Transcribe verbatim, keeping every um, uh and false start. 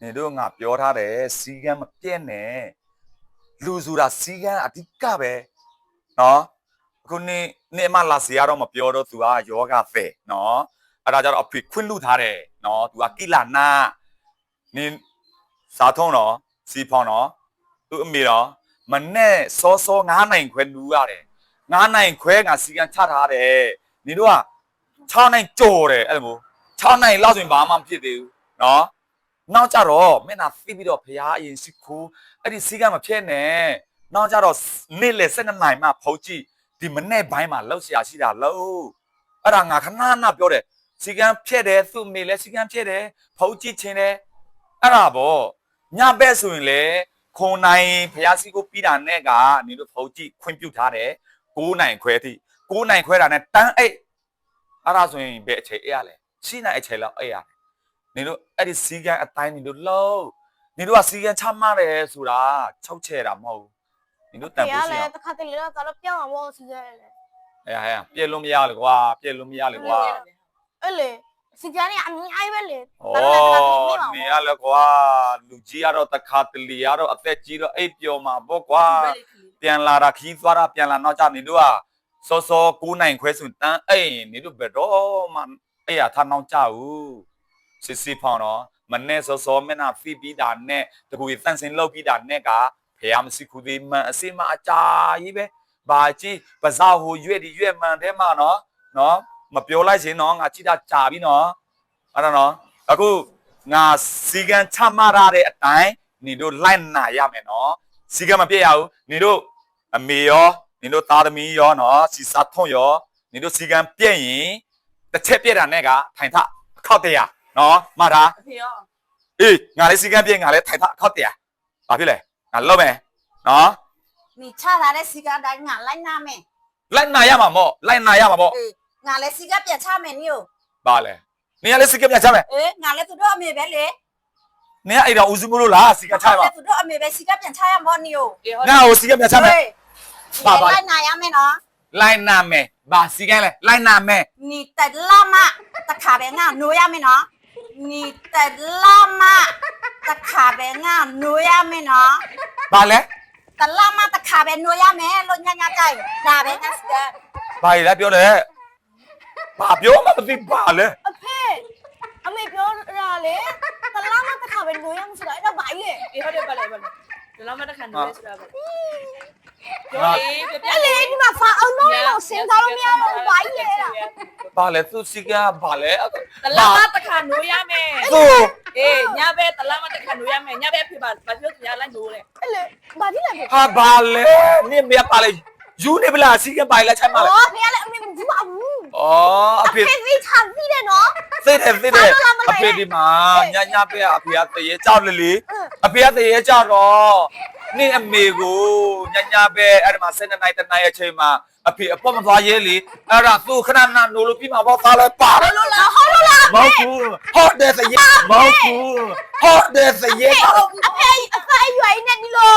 နေတို့ငါပြောထားတယ်စီကံမပြည့်နဲ့လူဆိုတာစီကံအဓိကပဲနော်အခုနေနေမလာစီရတော့မပြောတော့ तू ကယောဂဖဲနော်အဲ့ဒါကြတော့အဖေခွင့်လူထားတယ်နော် तू ကကိလာနာနေစားထုံးတော့စီဖောင်းတော့သူ့အမေတော့မနဲ့စောစော9နိုင်ခွဲလူရတယ်9နိုင်ခွဲငါစီကံချထားတယ်နေတို့က6နိုင်ကြော်တယ်အဲ့လို6နိုင်လောက်ဆိုရင်ဘာမှမဖြစ်သေးဘူးနော်နောက်ကြတော့မင်းသားဖိပြီးတော့ဖရားအရင်စီခိုးအဲ့ဒီစီကံမဖြစ်နဲ့နောက်ကြတော့နေ့လေ12နိုင်မှဖုတ်ကြည့်ဒီမနေ့ပိုင်းမှာလောက်ရှာရှိတာလို့အဲ့ဒါငါခဏခဏပြောတယ်စီကံဖြစ်တယ်သူ့မေလဲစီကံဖြစ်တယ်ဖုတ်ကြည့်ခြင်းတယ်အဲ့ဒါပေါ့ညဘက်ဆိုရင်လေခုံနိုင်ဖရားစီကိုပြီးတာနဲ့ကနေလို့ဖုတ်ကြည့်ခွင့်ပြုထားတယ်9နိုင်ခွဲထိ9နိုင်ခွဲတာနဲ့တန်းအိတ်အဲ့ဒါဆိုရင်ဘယ်အချိန်အေးရလဲရှိနိုင်အချိန်လောက်အေးရတယ်နေတို့အဲ့ဒီစီကံအတိုင်းနေတို့လုံးနေတို့ကစီကံချမှတ်တယ်ဆိုတာ၆ချဲတာမဟုတ်ဘူးနေတို့တန်ဖို့ရှိအောင်တခါတလေတော့တော့ပြောင်းအောင်မို့စီရတယ်လေအေးဟဲ့ပြည့်လို့မရလေကွာပြည့်လို့မရလေကွာအဲ့လေစီကံนี่အများကြီးပဲလေဩနေရလေကွာလူကြီးကတော့တခါတလေကတော့အသက်ကြီးတော့အိပ်ပျော်မှာပေါ့ကွာပြန်လာတာခီးသွားတာပြန်လာနောက်ကျနေတို့ကစောစော9နိုင်ခွဲဆိုတန်းအိမ်နေတို့ဘယ်တော့မှအဲ့ရထားနောက်ကျဘူးစစ်စစ်ဖောင်းတော့မနဲ့စောစောမနာဖိပြီးတာနဲ့တကူတန့်စင်လောက်ပြီးတာနဲ့ကဖះမရှိခုသေးမှန်အစိမအကြာကြီးပဲဘာကြီးပဇာဟိုရွက်ဒီရွက်မှန်တဲ့မှာနော်နော်မပြောလိုက်ရင်တော့ငါကြည့်တာကြာပြီနော်အဲ့ဒါနော်အခုငါစီကံချမှတ်ရတဲ့အတိုင်းနေတို့လိုက်နာရမယ်နော်စီကံမပြည့်ရဘူးနေတို့အမေရောနေတို့သားသမီးရောနော်စီစာထုံရောနေတို့စီကံပြည့်ရင်တစ်ချက်ပြည့်တာနဲ့ကထိုင်ထခောက်တရားနော်မှားတာအဖေရောအေးငါလေးစီကံပြည့်ငါလေးထိုင်ထခောက်တရားဘာဖြစ်လဲငါလုံးမယ်နော်你查他的时间带俺来拿没？ လိုက်နာရမှာမို့လိုက်နာရမှာမို့诶，俺来时间别查没你哟。 ဘာလဲနေရလေးစီကံပြချမယ်诶，俺来做到没别嘞？ နေရအဲ့တော့ဦးစုမလို့လားစီကံချမှာ俺来做到没别时间别查呀没你哟。 ငါ့ကိုစီကံပြချမယ်爸爸。来拿呀没喏？ လိုက်နာမယ်ဘာစီကံလဲလိုက်နာမယ်你得拉嘛？得卡别俺挪呀没喏？你得拉嘛？得卡别俺挪呀没喏？ ဘာလဲ得拉嘛？得卡别挪呀没？老娘娘在，卡别俺时间。 ဘာလဲပြောလဲဘာပြောမှမသိပါလဲအဖေအမေပြောတာလေတလားမတခါပဲလို့ရမှာဆိုတာအဲ့ဒါဘာကြီးလဲအေးဟုတ်တယ်ပါလေပါလေဒီလောက်မှတစ်ခါနေလဲဆိုတာပါပြောလေပြပြအဲ့လေဒီမှာဖာအောင်တော့တော့စင်သားလို့မရတော့ဘာကြီးလဲအဲ့ဒါဘာလဲသူစီကံဘာလဲတလားမှတစ်ခါနိုးရမယ်သူအေးညဘက်တလားမှတစ်ခါနိုးရမယ်ညဘက်ဖြစ်ပါဘာဖြစ်လို့ညလိုက်နိုးလဲအဲ့လေဘာကြီးလဲဟာဘာလဲနင်မပါလေယူနေပလားစီကံပါလဲချိုင်ပါလဲအော်ဖေကလည်းအမေမကြည့်ပါဘူးဩအဖေအဖေသိချာသိတယ်နော်သိတယ်သိတယ်အဖေဒီမှာညညပဲအဖေကတရေကြောက်လေလေအဖေကတရေကြောက်တော့နင်အမေကိုညညပဲအဲ့ဒီမှာ၁၂နိုင်တနိုင်အချိန်မှာအဖေအပေါ်မသွားရဲလေအဲ့ဒါသူ့ခဏနာနိုးလို့ပြီးမှာပေါ့သားလဲပါဟုတ်လို့လားဟုတ်လို့လားမဟုတ်ဘူးဟုတ်တယ်သရေမဟုတ်ဘူးဟုတ်တယ်သရေအဖေအဖေရွယ်နေဒီလို